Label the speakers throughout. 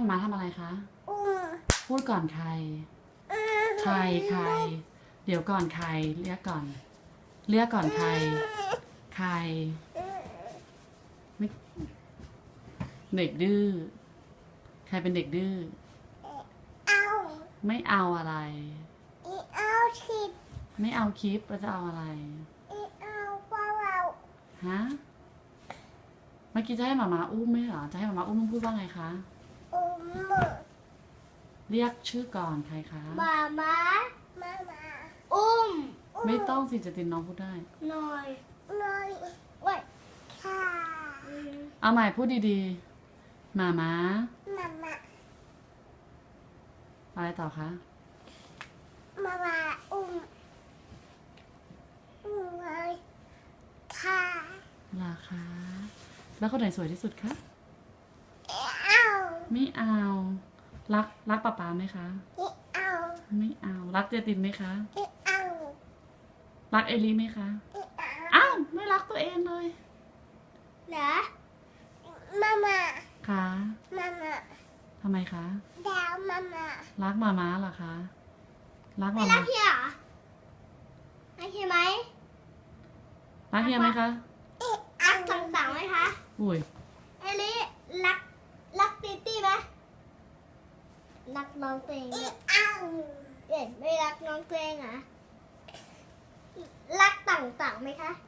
Speaker 1: มาทำอะไรคะ พูดก่อนใคร ใคร เดี๋ยวก่อนใครเรียกก่อนใคร ไม่เด็กดื้อ ใครเป็นเด็กดื้อ ไม่เอาอะไร ไม่เอาคลิปแล้วจะเอาอะไร ฮะ เมื่อกี้จะให้หมาอุ้มไหมเหรอ จะให้หมาอุ้มต้องพูดว่าไงคะ เรียกชื่อก่อนใครคะ
Speaker 2: มาอุ้ม
Speaker 1: ไม่ต้องสิจะตินน้องพูดได้
Speaker 2: หน่อยไว้ค่ะ
Speaker 1: เอาใหม่พูดดีๆหมาอะไรต่อคะ
Speaker 2: อุ้มเลยค่ะ
Speaker 1: ราคา แล้วคนไหนสวยที่สุดคะ
Speaker 2: เอา
Speaker 1: ไม่เอา รักป๊าป๊าไหมคะ
Speaker 2: เอา
Speaker 1: ไม่เอา รักเจตินไหมคะ
Speaker 2: เอา
Speaker 1: รักเอลิไหมคะ อ้าว ไม่รักตัวเองเลย
Speaker 2: เหรอมา
Speaker 1: คะทำไมคะ
Speaker 2: ดาวมา
Speaker 1: รักหมาม้าเหรอคะ รักห
Speaker 2: ไม่
Speaker 1: มา
Speaker 2: รั
Speaker 1: ม้าก
Speaker 2: เฮียเหรอรักเฮียไหม
Speaker 1: รักเฮียไหมคะ
Speaker 2: รักต่างๆไหมคะ
Speaker 1: อุ้ย
Speaker 2: เอลิรักตีตี้ไหมรักน้องตัวเองเนี่ยไม่รักน้องตัวเองเหรอรักต่างๆไหมคะ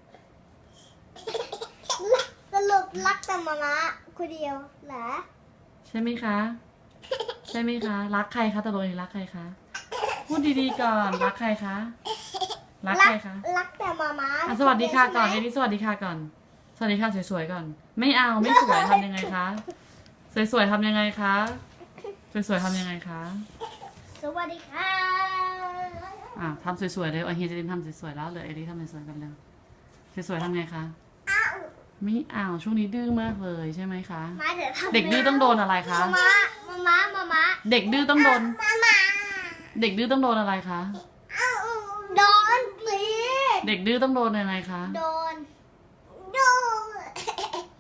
Speaker 2: สรุปรักแต่มาคนเดียวเหรอ
Speaker 1: ใช่ไหมคะ ใช่ไหมคะ รักใครคะตกลงรักใครคะ พูดดีๆก่อน รักใครคะ รักใครคะ
Speaker 2: รักแต่มา
Speaker 1: สวัสดีค่ะก่อนเอลิสวัสดีค่ะก่อน สวัสดีค่ะสวยๆก่อน ไม่เอาไม่สวยทำยังไงคะ สวยๆทำยังไงคะ สวยๆทำยังไงคะ
Speaker 2: สวัสดีค่ะ
Speaker 1: ทำสวยๆเลยเฮียจะดินทำสวยๆแล้วเหลือเอลิทำสวยๆกันแล้วสวยๆทำไงคะ ไม่เอาช่วงนี้ดื้อมากเลยใช่ไหมคะ
Speaker 2: มาเดี๋ยวทำ
Speaker 1: เด็กดื้อต้องโดนอะไรคะ
Speaker 2: มา
Speaker 1: เด็กดื้อต้องโดน เด็กดื้อต้องโดนอะไรคะ
Speaker 2: โดนตี
Speaker 1: เด็กดื้อต้องโดนอะไรคะ
Speaker 2: โดน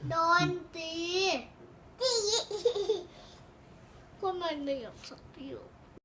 Speaker 2: ตีคนมันเดือดสักที